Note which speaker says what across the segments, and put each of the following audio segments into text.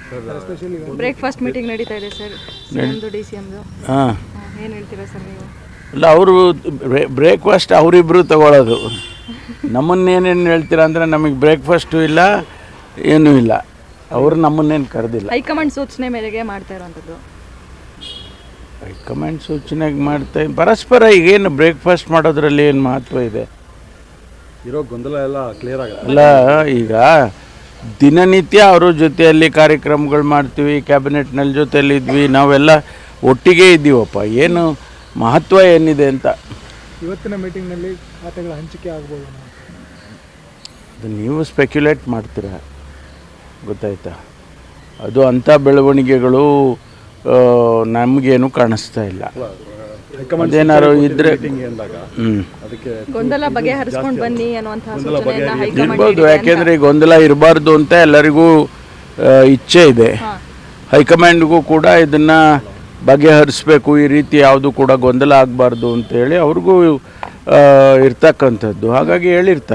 Speaker 1: Breakfast meeting ನಡೀತಾ ಇದೆ sir, ಸಿಎಂದು ಡಿ ಸಿ ಎಮ್ದು.
Speaker 2: ಹಾಂ,
Speaker 1: ಏನು ಹೇಳ್ತೀರಾ ಸರ್ ನೀವು?
Speaker 2: ಇಲ್ಲ, ಅವರು ಬ್ರೇಕ್ಫಾಸ್ಟ್ ಅವರಿಬ್ಬರು ತಗೊಳ್ಳೋದು. ನಮ್ಮನ್ನೇನೇನು ಹೇಳ್ತೀರಾ ಅಂದರೆ ನಮಗೆ ಬ್ರೇಕ್ಫಾಸ್ಟು ಇಲ್ಲ, ಏನೂ ಇಲ್ಲ. ಅವರು ನಮ್ಮನ್ನೇನು ಕರೆದಿಲ್ಲ.
Speaker 1: ಹೈಕಮಾಂಡ್ ಸೂಚನೆ ಮೇರೆಗೆ ಮಾಡ್ತಾ ಇರೋವಂಥದ್ದು.
Speaker 2: ಹೈಕಮಾಂಡ್ ಸೂಚನೆಗೆ ಮಾಡ್ತಾ ಪರಸ್ಪರ ಈಗೇನು ಬ್ರೇಕ್ಫಾಸ್ಟ್ ಮಾಡೋದ್ರಲ್ಲಿ ಏನು ಮಹತ್ವ ಇದೆ?
Speaker 3: ಇರೋ ಗೊಂದಲ ಎಲ್ಲ ಕ್ಲಿಯರ್ ಆಗುತ್ತೆ.
Speaker 2: ಅಲ್ಲ, ಈಗ ದಿನನಿತ್ಯ ಅವ್ರ ಜೊತೆಯಲ್ಲಿ ಕಾರ್ಯಕ್ರಮಗಳು ಮಾಡ್ತೀವಿ, ಕ್ಯಾಬಿನೆಟ್ನಲ್ಲಿ ಜೊತೆಯಲ್ಲಿ ಇದ್ವಿ, ನಾವೆಲ್ಲ ಒಟ್ಟಿಗೆ ಇದ್ದೀವಪ್ಪ. ಏನು ಮಹತ್ವ ಏನಿದೆ ಅಂತ
Speaker 4: ಇವತ್ತಿನ ಮೀಟಿಂಗ್ನಲ್ಲಿ ಖಾತೆಗಳ ಹಂಚಿಕೆ ಆಗ್ಬೋದು?
Speaker 2: ಅದು ನೀವು ಸ್ಪೆಕ್ಯುಲೇಟ್ ಮಾಡ್ತೀರಾ, ಗೊತ್ತಾಯ್ತಾ? ಅದು ಅಂಥ ಬೆಳವಣಿಗೆಗಳು ನಮಗೇನು ಕಾಣಿಸ್ತಾ ಇಲ್ಲ. ಅದೇನಾದ್ರು ಇದ್ರೆ
Speaker 1: ಗೊಂದಲ ಬಗೆಹರಿಸ್ಕೊಂಡು ಬನ್ನಿ ಅನ್ನುವಂತಹ ಸೂಚನೆಯನ್ನ ಹೈಕಮಾಂಡ್
Speaker 2: ಇರ್ಬೋದು. ಯಾಕೆಂದರೆ ಗೊಂದಲ ಇರಬಾರ್ದು ಅಂತ ಎಲ್ಲರಿಗೂ ಇಚ್ಛೆ ಇದೆ. ಹೈಕಮಾಂಡ್ಗೂ ಕೂಡ ಇದನ್ನು ಬಗೆಹರಿಸ್ಬೇಕು, ಈ ರೀತಿ ಯಾವುದು ಕೂಡ ಗೊಂದಲ ಆಗಬಾರ್ದು ಅಂತೇಳಿ ಅವ್ರಿಗೂ ಇರ್ತಕ್ಕಂಥದ್ದು. ಹಾಗಾಗಿ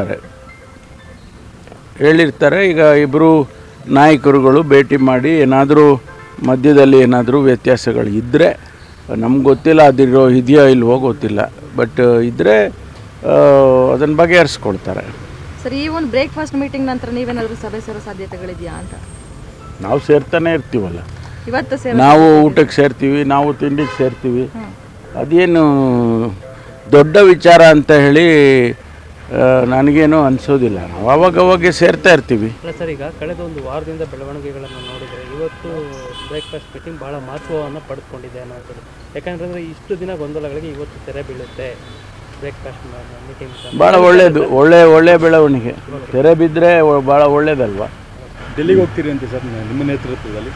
Speaker 2: ಹೇಳಿರ್ತಾರೆ. ಈಗ ಇಬ್ಬರು ನಾಯಕರುಗಳು ಭೇಟಿ ಮಾಡಿ ಏನಾದರೂ ಮಧ್ಯದಲ್ಲಿ ಏನಾದರೂ ವ್ಯತ್ಯಾಸಗಳು ಇದ್ದರೆ, ನಮ್ಗೆ ಗೊತ್ತಿಲ್ಲ ಇದೆಯೋ ಇಲ್ವೋ ಗೊತ್ತಿಲ್ಲ, ಬಟ್ ಇದ್ದರೆ ಅದನ್ನು ಬಗೆಹರಿಸ್ಕೊಳ್ತಾರೆ.
Speaker 1: ಸರ್, ಈ ಒಂದು ಬ್ರೇಕ್ಫಾಸ್ಟ್ ಮೀಟಿಂಗ್ ನಂತರ ನೀವೇನಾದರೂ ಸಭೆ ಸೇರೋ ಸಾಧ್ಯತೆಗಳಿದೆಯಾ ಅಂತ?
Speaker 2: ನಾವು ಸೇರ್ತಾನೆ ಇರ್ತೀವಲ್ಲ.
Speaker 1: ಇವತ್ತು
Speaker 2: ನಾವು ಊಟಕ್ಕೆ ಸೇರ್ತೀವಿ, ನಾವು ತಿಂಡಿಗೆ ಸೇರ್ತೀವಿ. ಅದೇನು ದೊಡ್ಡ ವಿಚಾರ ಅಂತ ಹೇಳಿ ನನಗೇನು ಅನಿಸೋದಿಲ್ಲ. ನಾವು ಅವಾಗವಾಗ ಸೇರ್ತಾ ಇರ್ತೀವಿ.
Speaker 5: ಅಲ್ಲ ಸರ್, ಈಗ ಕಳೆದ ಒಂದು ವಾರದಿಂದ ಬೆಳವಣಿಗೆಗಳನ್ನು ನೋಡಿದರೆ ಇವತ್ತು ಬ್ರೇಕ್ಫಾಸ್ಟ್ ಮೀಟಿಂಗ್ ಭಾಳ ಮಹತ್ವವನ್ನು ಪಡೆದುಕೊಂಡಿದೆ ಅನ್ನೋದು. ಯಾಕಂದರೆ ಇಷ್ಟು ದಿನ ಗೊಂದಲಗಳಿಗೆ ಇವತ್ತು ತೆರೆ ಬೀಳುತ್ತೆ. ಬ್ರೇಕ್ಫಾಸ್ಟ್ ಮೀಟಿಂಗ್
Speaker 2: ಭಾಳ ಒಳ್ಳೆಯದು, ಒಳ್ಳೆ ಬೆಳವಣಿಗೆ. ತೆರೆ ಬಿದ್ದರೆ ಭಾಳ ಒಳ್ಳೇದಲ್ವಾ?
Speaker 3: ಡೆಲ್ಲಿಗೆ ಹೋಗ್ತೀರಿ ಅಂತ ಸರ್ ನಿಮ್ಮ ನೇತೃತ್ವದಲ್ಲಿ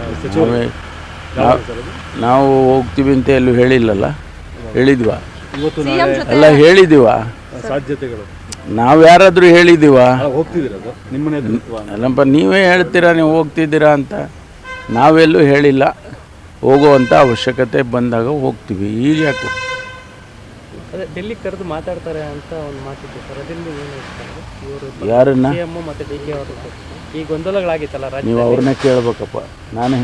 Speaker 2: ನಾವು ಹೋಗ್ತೀವಿ ಅಂತ ಎಲ್ಲೂ ಹೇಳಿಲ್ಲಲ್ಲ. ಹೇಳಿದ್ವಾ?
Speaker 3: ಇವತ್ತು
Speaker 2: ಅಲ್ಲ, ಹೇಳಿದೀವ?
Speaker 3: ಸಾಧ್ಯತೆಗಳು
Speaker 2: ನಾವು ಯಾರಾದರೂ ಹೇಳಿದ್ದೀವ?
Speaker 3: ಹೋಗ್ತಿದ್ದೀರ ಅದು ನಿಮ್ಮ ನೇತೃತ್ವ?
Speaker 2: ಅಲ್ಲಪ್ಪ, ನೀವೇ ಹೇಳ್ತೀರಾ ನೀವು ಹೋಗ್ತಿದ್ದೀರಾ ಅಂತ. ನಾವೆಲ್ಲೂ ಹೇಳಿಲ್ಲ. ಹೋಗುವಂಥ ಅವಶ್ಯಕತೆ ಬಂದಾಗ ಹೋಗ್ತೀವಿ. ಈಗ ಯಾಕೆ
Speaker 5: ಅದೇ ಡೆಲ್ಲಿಗೆ ಕರೆದು ಮಾತಾಡ್ತಾರೆ ಅಂತ ಒಂದು ಮಾತಿತ್ತು ಸರ್, ಅದರಿಂದ ಏನು ಹೇಳ್ತಾರೆ ಇವರು?
Speaker 2: ಯಾರನ್ನ?
Speaker 5: ಸಿಎಂ ಮತ್ತು ಡಿ ಕೆ ಅವರು ಈ ಗೊಂದಲಗಳಾಗಿತ್ತಲ್ಲ ರಾಜ್ಯ,
Speaker 2: ನೀವು ಅವ್ರನ್ನೇ ಕೇಳ್ಬೇಕಪ್ಪ. ನಾನು